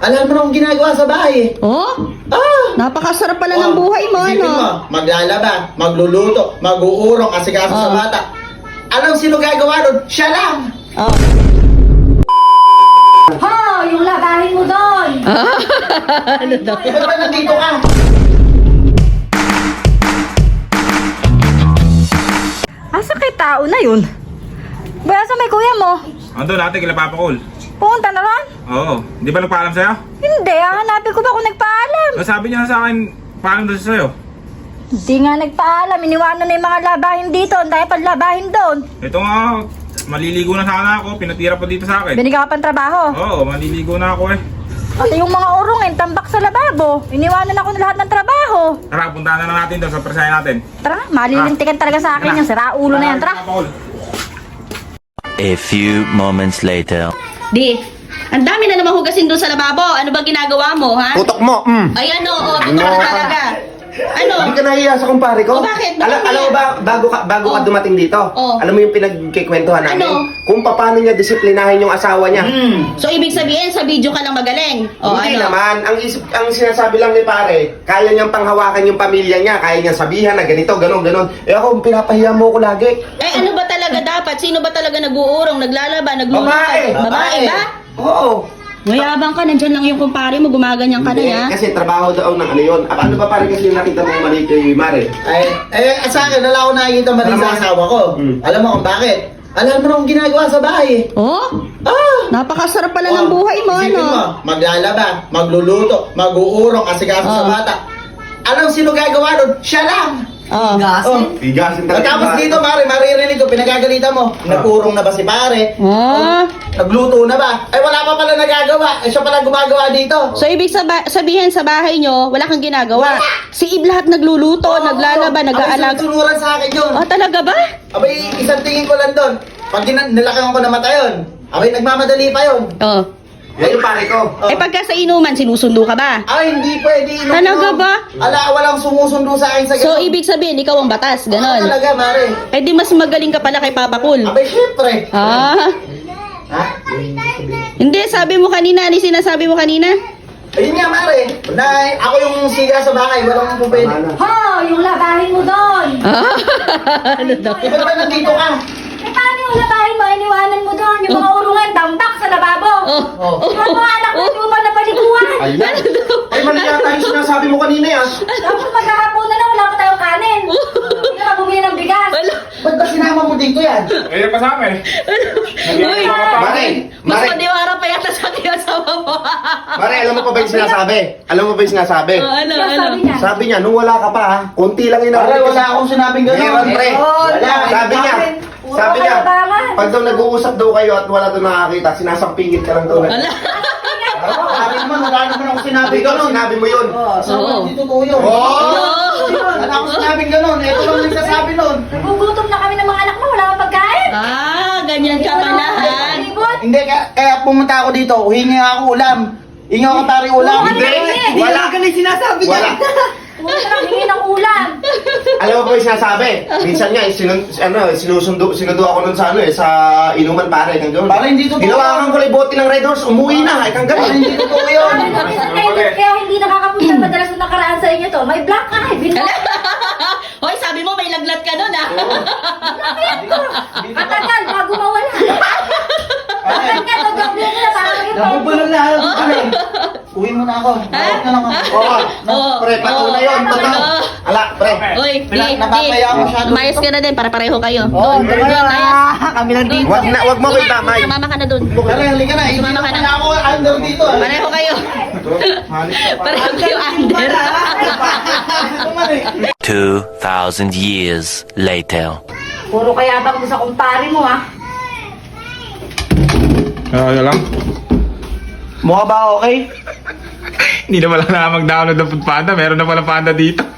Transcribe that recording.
Alam mo na akong ginagawa sa bahay eh. Oh? Ah! Napakasarap pala ng buhay mo, Isipin ano? mo, maglalaba, magluluto, mag-uurong, asikaso sa Oh. bata. Alam sino gagawa nun? Siya lang! Oh. Ho! Yung labahin mo doon! Ano daw? Ba't ba nandito ka? Asa kay tao na yun? Ba, asa may kuya mo? Ando natin kila Papa Col. Pumunta na ron? Oo. Di ba nagpaalam sa'yo? Hindi, hanapin ko ba kung nagpaalam? Sabi niya sa akin, paalam doon sa'yo. Hindi nga nagpaalam, iniwanan na yung mga labahin dito, ang dahil paglabahin doon. Ito nga, maliligo na sana ako. Pinatira pa dito sa akin. Binigyan ka pang trabaho. Oo, maliligo na ako eh. Pati yung mga urungin, tambak sa lababo. Iniwanan ako ng lahat ng trabaho. Tara, puntahan na natin doon sa presaya natin. Tara, malilintikan talaga sa akin yung sira ulo na yan. Tara. Papa Col. A few moments later. Di, ang dami na naman hugasin doon sa lababo. Ano ba ginagawa mo, ha? Tutok mo! Ay ano, tutok talaga. Ano? Hindi ka nahiya sa kumpare ko? O, bakit? Bakit Alam mo ba, bago ka Oh. dumating dito, Oh. alam mo yung pinagkikwentuhan namin? Ano? Kung paano niya disiplinahin yung asawa niya. So, ibig sabihin, sa video ka lang magaling. O, Hindi ano? naman, ang sinasabi lang ni pare, kaya niyang panghawakan yung pamilya niya, kaya niyang sabihan na ganito, ganon. Eh ako, pinapahiya mo ko lagi. Eh, ano ba talaga dapat? Sino ba talaga nag-uurong, naglalaba, nagluluto? Babae ba? Oo. Mayabang ka, nandyan lang yung kumpare mo, gumaganyan ka na, Hindi, ha? kasi trabaho daw ng ano yun. Ano ba pare kasi yung nakita mong mali kay Mare? Sa akin, wala akong nakikita mali sa asawa ko. Alam mo kung bakit? Alam mo na akong ginagawa sa bahay eh. Oh? Ah! Napakasarap pala ng buhay mo, Isipin ano? mo, maglalaba, magluluto, mag-uurong, asikaso sa Oh. bata. Alam sino gagawa nun? Siya lang! Oh. Oh. Higasin Tapos dito, Mare, maririnig ko, pinagagalitan mo. Nag-urong na ba si pare? Oh. Nagluto na ba? Ay, wala pa pala nagagawa. Eh, siya pala gumagawa dito. So, ibig sabihin sa bahay nyo, wala kang ginagawa. Si Ib lahat nagluluto, naglalaba, nag-aalag. Abay, sunuran sa akin yun. Oh, talaga ba? Abay, isang tingin ko lang doon. Pag nilakang ko na mata yun, abay, nagmamadali pa yun. Oh. Yan yung pare ko. Eh, pagka sa inuman, sinusundo ka ba? Ay, hindi pwede. Inom Talaga yun. ba? Ala, walang sumusundo sa akin sa So, ganun. ibig sabihin, ikaw ang batas, ganon. Talaga, Mare. Eh, di mas magaling ka pala kay Papa Cool. Abay, syempre. Ah. Ha? Hindi, sabi mo kanina, ano yung sinasabi mo kanina? Ayun nga, Mare. Na, ako yung siga sa bahay. Walang po pwede. Ho! Yung labahin mo doon! Ano daw? Ba't ba nandito ka? Eh, paano yung labahin mo? Iniwanan mo doon. Yung mga urungan, tambak sa lababo. Oh. Oh. Yung mga anak mo, hindi mo ba napaliguan? Ayan. Ay, mali yata yung sinasabi mo kanina yan. Tapos maghahapon na lang, wala pa tayong kanin. Hindi ka bumili ng bigas. Ba't ba sinama mo dito yan? Eh, kasama eh. Uy, Mare, mas Mare, madiwara pa yata sa akin asawa mo. Mare, alam mo pa ba yung sinasabi? Alam mo ba yung sinasabi? Oh, ano, Ano ano? sabi niya? Sabi niya, nung wala ka pa ha, konti lang yun. Pare, wala akong sinabing gano'n. Meron, pre. Wala. Sabi niya, sabi niya, pag daw nag-uusap daw kayo at wala daw nakakita, sinasampingit ka lang daw. Wala. Sabi naman, wala naman akong sinabi gano'n. Sinabi mo yun. Oo. Hindi totoo yun. Wala akong sinabing gano'n. Ito lang nagsasabi nun. Nagugutom na kami ng mga anak mo, wala kang pagkain. Ah, ganyan ka pala, ha? Libot. Hindi, kaya pumunta ako dito. Hingi ako ulam. Hingi ako pare ulam. Hindi. Wala ka na sinasabi wala. Pumunta lang, hingi ng ulam. Alam mo ba yung sinasabi? Minsan nga, sinundo ako nun sa sa inuman pare. Para hindi totoo. Ginawakan ko lang bote ng Red Horse, umuwi na. Ay, hanggang hindi totoo yun. Kaya hindi nakakapunta madalas na nakaraan sa inyo to. May black eye. Hoy, sabi mo may laglat ka nun, ha? Matagal, bago mawala. Matagal, nagawin mo na para maging Nabubulol na ako dito. Uwi mo na ako. Bawat na lang ako. Oo. Pre, patunay yun. Totoo. Ala, pre. Hoy, Napapaya ako masyado. Umayos ka na din para pareho kayo. Oo, Doon, tama doon, na. ayan. Kami lang dito. Wag mo ko itamay. Sumama ka na doon. Tara, halika na. Hindi Sumama ka na. na ako under dito. Pareho kayo. Pareho kayo under. 2,000 years later. Puro kaya bang mo sa kumpare mo, ha? Ano lang? Mukha ba okay? Hindi na wala na mag-download ng Food Panda. Meron na pala Panda dito.